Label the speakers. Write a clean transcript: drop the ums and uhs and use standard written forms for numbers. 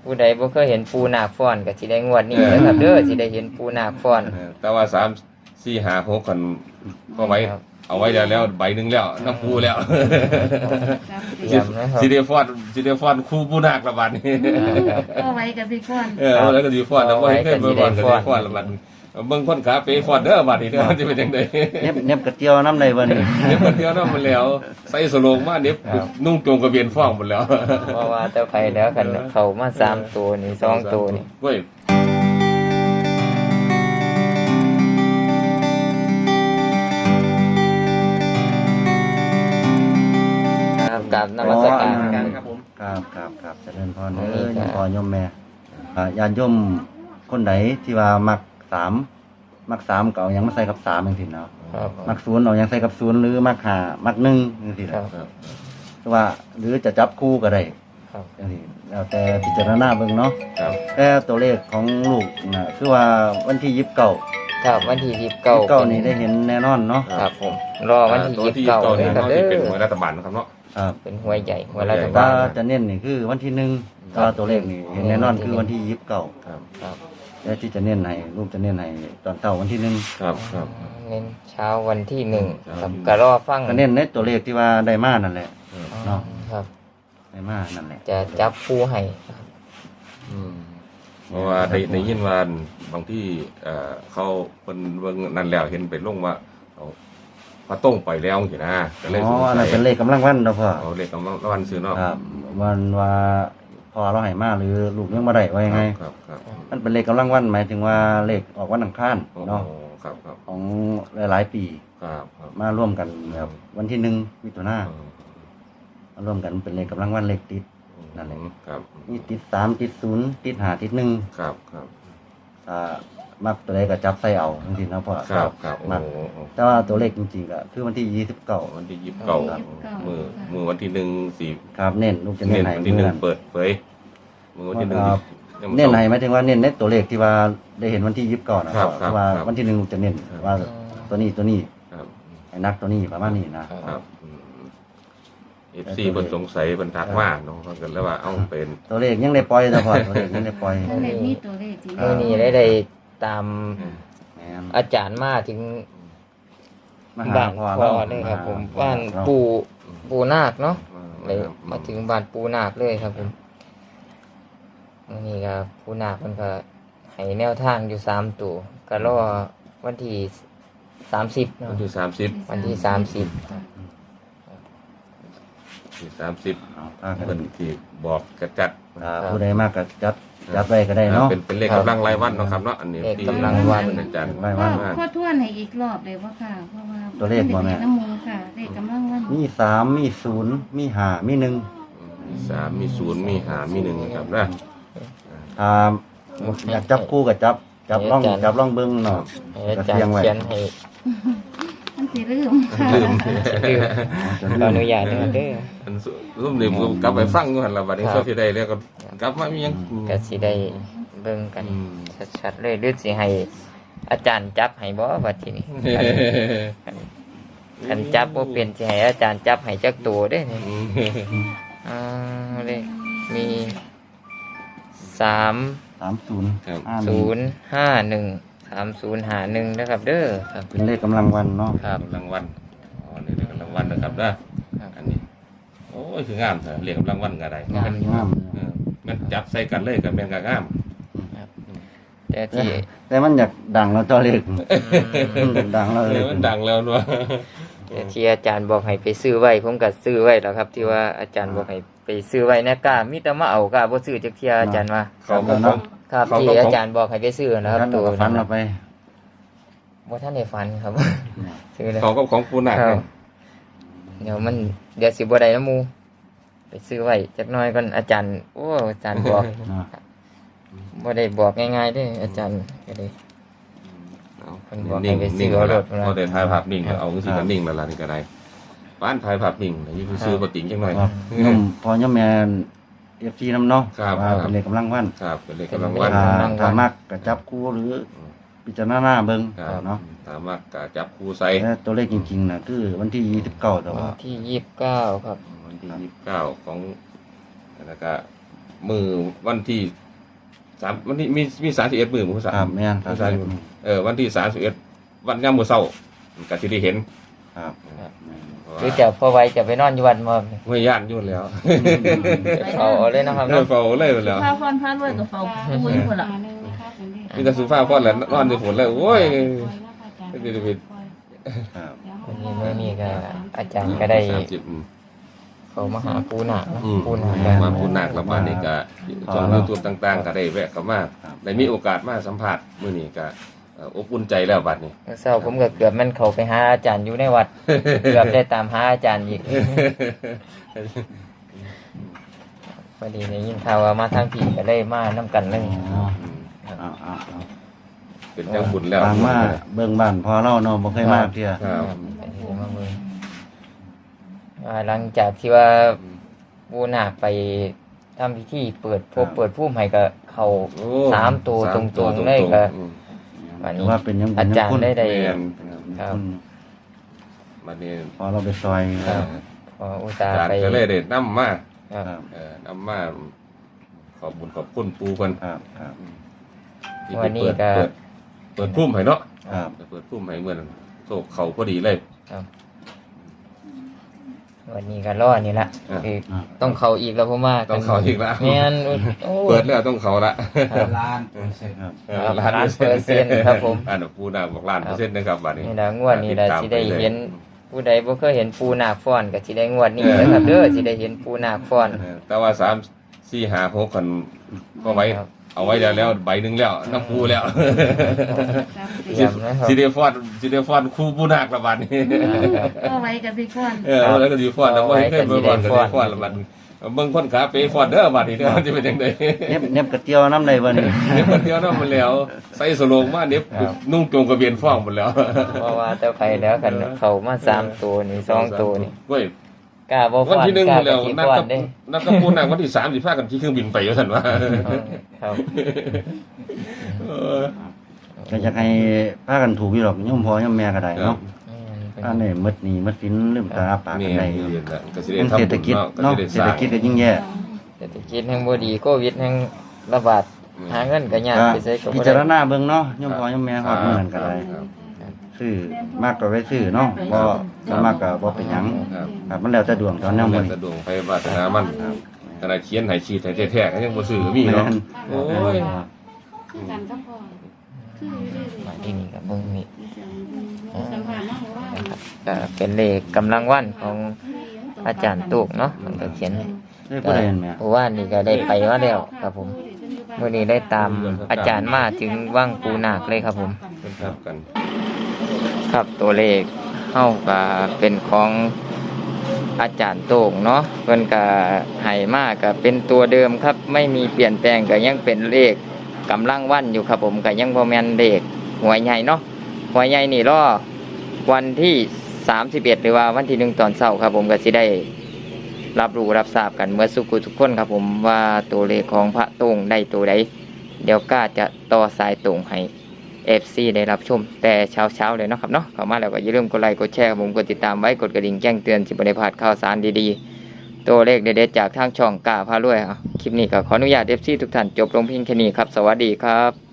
Speaker 1: ผู้ใดบ่เคยเห็นปูนาคฟ้อนก็สิได้งวดนี้เด้อครับเด้อสิได้เห็นปูนาคฟ้อน
Speaker 2: แต่ว่า3 4 5 6กันก็ไว้เอาไว้แล้วใบหนึงแล้วน้ำปูแล้ว
Speaker 1: ย้ำนะครับ
Speaker 2: สิได้ฟ้อนคู่ปูนาคละบัดนี้
Speaker 3: ก็ไว้กับพี่ก้อน
Speaker 2: แล้วก็สิฟ้อนแล้วบ่ให้เคยมาฟ้อนก็สิฟ้อนละบัดเบิ่งคนขาเป๋ฟ้อนเด้อบัดนี้เด้อสิเป็นจังได๋
Speaker 4: เน็บกระเจียวน้ำในวันนี้
Speaker 2: เดี๋ยวคนเดียวนั่นมันแล้วใส่สโลงมาเด็บนุ่งโจงกระเบียนฟ้องหมดแล้ว
Speaker 1: เพราะว่าเจ้าไปแล้วกันเข้ามา3ตัวนี่2ตัวนี่
Speaker 2: เว้ย
Speaker 1: ครับกราบนมัสการครับ
Speaker 4: ครับเจริญพรยมพ่อยมแม่ญาติโยมคนไหนที่ว่ามัก3ก็เอาหยังมาใส่กับ3จังซี่เนาะ
Speaker 1: ครับ
Speaker 4: มัก0เอาหยังใส่กับ0หรือมัก5มัก1จังซี่
Speaker 1: ครั
Speaker 4: ล่ะ
Speaker 1: บ
Speaker 4: คือว่าหรือจะจับคู่ก็ได้
Speaker 1: ครับ
Speaker 4: จังซี่แล้วแต่พิจารณาเบิ่งเนาะ
Speaker 2: ครับ
Speaker 4: แต่ตัวเลขของลูกน่ะคือว่าวันที่29
Speaker 1: ครับวันที่29
Speaker 4: นี่ได้เห็นแน่นอนเนาะ
Speaker 1: ครับผมรอวันที่
Speaker 2: ตัวที่
Speaker 1: 29
Speaker 2: เก่า
Speaker 1: เล
Speaker 2: เนี่ย
Speaker 1: ยครับ
Speaker 2: เนาะ
Speaker 1: เด้
Speaker 2: ที่เป็น
Speaker 1: อ
Speaker 2: หวยรัฐบาลนะครับเนาะ
Speaker 4: ครับ
Speaker 1: เป็นหวยใหญ่หวยรัฐ
Speaker 4: แต่
Speaker 1: บา
Speaker 4: ว่า
Speaker 1: ล
Speaker 4: จะเน้นนี่คือวันที่1แต่ว่าตัวเลขนี่เห็นแน่นอนคือวันที่29
Speaker 2: ครับ
Speaker 1: ครับ
Speaker 4: แล้วที่จะเน้นให้ลูกจะเน้นให้ตอนเช้าวันที่1
Speaker 2: ครับครับ
Speaker 1: เน้นเช้าวันที่1ครับ
Speaker 2: ครับ
Speaker 1: ก็รอฟัง
Speaker 4: ก็เน้นในตัวเลขที่ว่าได้มานั่นแหละ
Speaker 1: เนาะครับ
Speaker 4: ได้มานั่นแหละ
Speaker 1: จะจับคู่ให้ครับ
Speaker 2: เพราะว่าในยินว่าบางที่เขาเป็นเบิ่งนั่นแล้วเห็นเป็นลงว่าเอาพระต้งไปแล้วสินะก็เลย
Speaker 4: อ๋
Speaker 2: ส
Speaker 4: อง อัน
Speaker 2: สั
Speaker 4: นั้น
Speaker 2: ย
Speaker 4: เป็นเลขกำลังวันเนาะพ่อ
Speaker 2: เอาเลขกำลังวันซื้อเนาะ
Speaker 4: ครับวันว่าพอเราให้มาหรือลูกยังบ่ได้ว่ายังไง
Speaker 2: ครับครับ
Speaker 4: มันเป็นเลขกำลังวันหมายถึงว่าเลขออกวันอังคาร
Speaker 2: โอ้
Speaker 4: เนาะ
Speaker 2: ครับครับ
Speaker 4: ของหลายๆปี
Speaker 2: ครับครับ
Speaker 4: มาร่วมกันแบบวันที่1มิถุนายนมาร่วมกันเป็นเลขกำลังวันเลขติด นั่นแหละ
Speaker 2: ครับ
Speaker 4: มีติด3ติด0ติด5ติด1
Speaker 2: ครับครับ
Speaker 4: มักตัวเลขก็จับใส่เอาจริงๆนะพ่อ
Speaker 2: ครับครับ
Speaker 4: มัก
Speaker 2: โอ้โห
Speaker 4: แต่ว่าตัวเลขจริงๆก็คือวันที่29
Speaker 2: วันที่29มือวันที่1
Speaker 4: ครับเน้นลูกจะ
Speaker 2: 4
Speaker 4: เน้
Speaker 2: เน้
Speaker 4: น
Speaker 2: น
Speaker 4: ให้
Speaker 2: วันที่
Speaker 4: เมื่อนั้น
Speaker 2: 1เปิดเผยมือวันที่1
Speaker 4: เน้นให้หมายถึงว่าเน้นในตัวเลขที่ว่าได้เห็นวันที่29นะครับ
Speaker 2: ครับ
Speaker 4: ว่า
Speaker 2: ครับ
Speaker 4: วันที่1ลูกจะเน้นว่าตัวนี้
Speaker 2: ครับ
Speaker 4: ให้นักตัวนี้ประมาณนี้นะครับ
Speaker 2: FC เพิ่นสงสัยเพิ่นทักมาเนาะเพิ่นก็เลยว่าเอ้าเป็น
Speaker 4: ตัวเลขยังได้ปล่อยนะพ่อตัวเลขยังได้ปล่อย
Speaker 3: ตัวเลขมีตัวเลขที่
Speaker 1: มื้อนี้ได้ตาม
Speaker 4: แม่น
Speaker 1: อาจารย์มาถึง
Speaker 4: มาหา
Speaker 1: บ้าน
Speaker 4: พ่อ
Speaker 1: พ่อ
Speaker 4: เรา
Speaker 1: เลยครับผม
Speaker 4: มา
Speaker 1: บ้าน
Speaker 4: เรา
Speaker 1: ปู่นาคเนาะเลยมาถึงบ้านปู่นาคเลยครับผมนี่ก็ปู่นาคมันก็ให้แนวทางอยู่3ตัวก็รอวันที่30เนาะ
Speaker 2: วันที่30
Speaker 1: วันที่30
Speaker 2: ที่30
Speaker 4: เอาพากั
Speaker 2: เพิ่
Speaker 4: น
Speaker 2: นที่บอกกระจัด
Speaker 4: ผู้ใดมากก็จัดไว้ก็ได้เนาะ
Speaker 2: เป็นเลขกำลังรายวันเนาะครับเนาะอันนี้
Speaker 1: เลข
Speaker 2: ที่
Speaker 1: กำลังวัน
Speaker 2: อาจารย์
Speaker 4: รายวั
Speaker 3: พ่อ
Speaker 4: น
Speaker 3: พ่อทวนให้อีกรอบเลยว่าค่ะ เพราะว่า
Speaker 4: ตัวเลขบ่แม่
Speaker 3: น้ำมูลค่ะเลขกำลังวัน
Speaker 4: มี3มี0มี5มี1
Speaker 2: มี3มี0มี5มี1ครับนะ
Speaker 4: อยากจับคู่ก็จับล่องเบิ่งเนาะ
Speaker 1: ให้อาจารย์เขียนให้
Speaker 3: มันสิลืมค่ะ
Speaker 2: ลืม
Speaker 1: ขออนุญาตเด้อเด้อ
Speaker 2: อันซุ่มนี่ผมกลับไปฟังอยู่หั่นล่ะบัดนี้
Speaker 1: ครับ
Speaker 2: โซสิได้แล้วก็กลับมามีหยัง
Speaker 1: ก็สิได้เบิ่งกัน
Speaker 2: อืม
Speaker 1: ชัดๆเลยหรือสิให้อาจารย์จับให้บ่ว่าทีนี้คันจับบ่เป็นสิให้อาจารย์จับให้จักตัวเด้นี่เลยมี3
Speaker 4: 30
Speaker 2: ครับ
Speaker 4: 51
Speaker 1: 3051นะครับเด้อครับ
Speaker 4: เป็นเลขกำลังวันเนาะ
Speaker 1: ครับ
Speaker 2: รางวัลอ๋อนี่เลขรางวัลนะครับนะครับ อันนี้โอ้ยคืองามเถอะเรียกรางวัลก็ได้
Speaker 1: งาม
Speaker 4: งาม
Speaker 2: มันจับใส่กันเลยก็แม่นก็งาม
Speaker 1: แต่ที่
Speaker 4: แต่มันอยากดังแล้วตัวเลขดังแล้ว
Speaker 2: เออมันดังแล้วเนาะ
Speaker 1: แต่ที่อาจารย์บอกให้ไปซื้อไว้ผมก็ซื้อไว้แล้วครับ ที่ว่าอาจารย์บอกให้ไปซื้อไว้นะกล้ามีแต่มาเอากล้าบ่ซื้อจักเที่ยอาจารย์ว่า
Speaker 2: ของของ
Speaker 1: ครับที่อาจารย์บอกให้ไปซื้อนะครับ
Speaker 4: ตัว
Speaker 1: ตัว
Speaker 4: ฟัน
Speaker 1: นั้น
Speaker 4: เราไป
Speaker 1: บ่ท่านได้ฟันครับ ซื้อเลย
Speaker 2: ของกับของปูนาค
Speaker 1: ครั
Speaker 2: เนี่ย
Speaker 1: บเดี๋ยวสิบ่ได้น้ำหมูไปซื้อไว้จักหน่อยก่อนอาจารย์โอ้อาจารย์บอกบ่ได้บอกง่ายๆเด้ออาจารย์ก็เลย เพิ่นบอกให้
Speaker 2: นิ่ง
Speaker 1: ไปซื้
Speaker 2: นิ่
Speaker 1: อง เอาร
Speaker 2: แล้ว
Speaker 1: ถมา
Speaker 2: พอได้ถ่ายภาพนิ่งก็เอาจังซี่ก็นิ่งแล้วล่ะนี่ก็ได้บ้านถ่ายภาพนิ่งแต่นี่คือซื้อบ่ติงจังหน่อย
Speaker 4: ย่อมพอย่อมแมนFCน้ำเนาะ
Speaker 2: ครับ
Speaker 4: ว่าเป็นเลขกำลังวัน
Speaker 2: ครับเป็นเลขกำลังวัน
Speaker 4: ถ้ามักก็จับคู่หรือพิจารณาเบิ่ง
Speaker 2: ครับ
Speaker 4: เนาะ
Speaker 2: สามารถก็จับคู่ใส่
Speaker 4: แต่ตัวเลขจริงๆน่ะคือวันที่29แต่ว่า
Speaker 1: ที่29ครับ
Speaker 2: วันที่29ของแล้วก็มือวันที่วันที่มี31มื้อมื้อ
Speaker 4: ครับแม่นครับ
Speaker 2: วันที่31วันยามมื้อเช้าก็สิได้เห็น
Speaker 4: ครับ
Speaker 1: หรือจะพอไว้จะไปนอนอยู่วัดบ่
Speaker 2: ห้วยย่านอยู่แล้ว
Speaker 1: เอาเลยนะครับ
Speaker 2: เออ
Speaker 1: เนาะ
Speaker 2: เฝ้าเลยแล้ว
Speaker 5: พาพรพาด้วยกับเฝ้าปูอยู่พุ่นล่ะ
Speaker 2: มีแต่สุภาพพอแล้วนอนอยู่ฝนแล้วโอ้ย
Speaker 4: ครับ
Speaker 1: วันนี้เมื่อนี้ก็อาจารย์ก็ได้
Speaker 2: 30
Speaker 1: เขามาหาปูนาคเนาะ
Speaker 2: อืม
Speaker 1: ปูนาค
Speaker 2: มาปูนาคแล้วมานี่ก็ช่อง YouTube ต่างๆก็ได้แวะเข้ามาได้มีโอกาสมาสัมภาษณ์มื้อนี้ก็อบอุ่นใจแล้วบัดนี้
Speaker 1: เช้าผมก็เกือบมันเขาไปหาอาจารย์อยู่ในวัด เกือบได้ตามหาอาจารย์อีกพอดีได้ยินข่าวว่ามาทางผีก็เลยมานํกันเลย
Speaker 4: เอา
Speaker 2: เป็นจังบุญแล้ว
Speaker 4: บางมาเบิ่งบ้านพอเราเนาะบ่เคยมาเที่ย
Speaker 2: ครับ
Speaker 1: ไปที่มาเมืองหลังจากที่ว่าปูนาคไปทำพิธีเปิดพบเปิดผู้ใหม่ก็เขา
Speaker 2: โอ้
Speaker 1: 3 ตัวตรงๆเลยก็
Speaker 2: อืม
Speaker 1: วัน
Speaker 4: ถื
Speaker 1: นี้
Speaker 4: อว่าเป็นยังบุญ
Speaker 1: อาจารย์ได้
Speaker 2: แม่น
Speaker 1: ครับ
Speaker 2: บัดนี้
Speaker 4: พอเราไปซอย
Speaker 1: ครับ พออุตส่า
Speaker 2: อา
Speaker 1: ห์
Speaker 2: จารย์
Speaker 1: ไป
Speaker 2: ก็เลยได้นำมา
Speaker 1: ครับ
Speaker 4: ครับ
Speaker 2: นำมาขอบบุญขอบคุณปู่เพิ่น
Speaker 4: ครับครับ
Speaker 2: ที่
Speaker 1: วันนี้ก็
Speaker 2: เปิดพุ่มให้เนาะ
Speaker 4: ครับ
Speaker 2: เปิดพุ่มให้เหมือนโศกเขาพอดีเลย
Speaker 1: วันนี้ก็รอนี่ละ
Speaker 2: อ่า
Speaker 1: คือต้องเขาอีกแล้วผมว่า
Speaker 2: ต้องเข้าอีกแล้ว
Speaker 1: แม่นโอ้
Speaker 2: เปิดแล้วต้องเขาละ
Speaker 1: ครับ
Speaker 4: ครับ
Speaker 1: ครับ1,000,000%ครับผม
Speaker 2: อันนั้นปูนาบอกล้านเปอร์เซ็นต์นะครับบัดนี้
Speaker 1: นี่ละงวดนี้ละ
Speaker 2: ติตาม
Speaker 1: สิได้
Speaker 2: ปลย
Speaker 1: เห็นผู้ใดบ่เคยเห็นปูนาคฟ้อนก็สิได้งวดนี้นะครับเด้อสิได้เห็นปูนาคฟ้อน
Speaker 2: แต่ว่า3 4 5 6คนก็ไว้
Speaker 1: ครับ
Speaker 2: เอาไว้แล้วใบหนึงแล้วน้ำปูแล้ว
Speaker 1: เตรียมนะครับ
Speaker 2: สิได้ฟอนคู่ปูนาคละบัดนี้
Speaker 1: ครับ
Speaker 3: ก็ไว้กับพี่ก่อน
Speaker 2: แล้วก็สิฟอนแล้วบ่ให้เคยไปฟอนก็สิฟอนละบัดนี้เบิ่งคนขาเป๋ฟอนเด้อบัดนี้เด้อมันสิเป็นจังได๋
Speaker 4: เน็บกระเตียวน้ำใดบ่นี่
Speaker 2: เน็บคนเดียวเนาะมันแล้วใส่สโลงมาเน็บนุ่งโจงกระเบียนฟ้องหมดแล้ว
Speaker 1: เพราะว่าเจ้าไผแล้วกันเขามา3ตัวนี่2ตัวนี่
Speaker 2: เว้ย
Speaker 1: กล้าบ่
Speaker 2: วัน
Speaker 1: ฟ้อน
Speaker 2: ที่1
Speaker 1: กล้า
Speaker 2: แล้ว
Speaker 1: สิ
Speaker 2: นัด
Speaker 1: ฟ้อน
Speaker 2: กับ
Speaker 1: เด้
Speaker 2: นัดกับปูนางวันที่3สิพากันขี่เครื่องบินไปว่าซั่นว่า
Speaker 1: ครับ
Speaker 4: ก็อยากให้พากันถูกอยู่หรอกโยมพ่อโยมแม่ก็ได้เนาะ
Speaker 1: แม่น
Speaker 4: อันนี้มืดหนี้มืดสินลืมตาอ้าปาก
Speaker 2: นี่
Speaker 4: กันได้
Speaker 2: ก็สิได้
Speaker 4: มัน
Speaker 2: ทำ
Speaker 4: เศรษฐกิจ
Speaker 2: ก็
Speaker 4: เนาะ
Speaker 2: สิได้
Speaker 4: เศ
Speaker 2: ส
Speaker 4: รษ
Speaker 2: ร้า
Speaker 4: ฐ
Speaker 2: ง
Speaker 4: กิจก็ยิ่งแย่
Speaker 1: เศรษฐกิจแห่งบ่ดีโควิดแห่งระบาดหาเงินก็ยาก
Speaker 4: ก็
Speaker 1: ไปใช้ก็
Speaker 4: พิ
Speaker 1: บ่
Speaker 4: จาร
Speaker 1: ได้
Speaker 4: ณาเบิ่งเนาะโยมพ่อโยมแม่ฮอดมื้อนั้นก็ได้
Speaker 2: ครับ
Speaker 4: ซื้อมากก็ไว้ซื้อเนาะบ่มากก็บ่เป็นหยัง
Speaker 2: ครับ
Speaker 4: ครับมันแล้วแต่ดวงตอนแนว
Speaker 2: มั
Speaker 4: มื้
Speaker 2: น
Speaker 4: อ
Speaker 2: สะ
Speaker 4: นี้
Speaker 2: ดวกไปวาสนามัน
Speaker 4: ครับ
Speaker 2: ขนาดเขียนให้ชีดให้แท้ๆก็ยังบ่ซื้อก็มีเนาะ โอ้ย
Speaker 3: คือกันก็พอคือเรื่อย
Speaker 1: มาที่นี่ก็เบิ่งนี่
Speaker 3: ๆสัมผัสเนาะเพราะว่า
Speaker 1: ก็เป็นเลขกำลังวันของอาจารย์ตุกเนาะมันก็เขียนให้
Speaker 4: ได้ผู้ใดเห็นแม่
Speaker 1: เพราะว่านี่ก็ได้ไปมาแล้วครับผมมื้อนี้ได้ตามอาจารย์มาถึงว่างปูนาคเลยครับผม
Speaker 2: เพิ่นครับกัน
Speaker 1: ครับตัวเลขเฮาก็เป็นของอาจารย์โต่งเนาะเพิ่นก็ให้มาก็เป็นตัวเดิมครับ ไม่มีเปลี่ยนแปลงก็ยังเป็นเลขกำลังวันอยู่ครับผมก็ยังบ่แม่นเลขหวยใหญ่เนาะหวยใหญ่นี่รอวันที่31หรือว่าวันที่1ตอนเช้าครับผมก็สิได้รับรู้รับทราบกันเมื่อสุขุทุกคนครับผมว่าตัวเลขของพระโต่งได้ตัวใดเดี๋ยวก็จะต่อสายตรงให้ FC ได้รับชมแต่เช้าๆเลยเนาะครับเนาะเข้ามาแล้วก็อย่าลืมกดไลค์กดแชร์ครับผมกดติดตามไว้กดกระดิ่งแจ้งเตือนสิบ่ได้พลาดข่าวสารดีๆตัวเลขเด็ดๆจากทางช่องกล้าพารวยคลิปนี้ก็ขออนุญาต FC ทุกท่านจบลงเพียงแค่นี้ครับสวัสดีครับ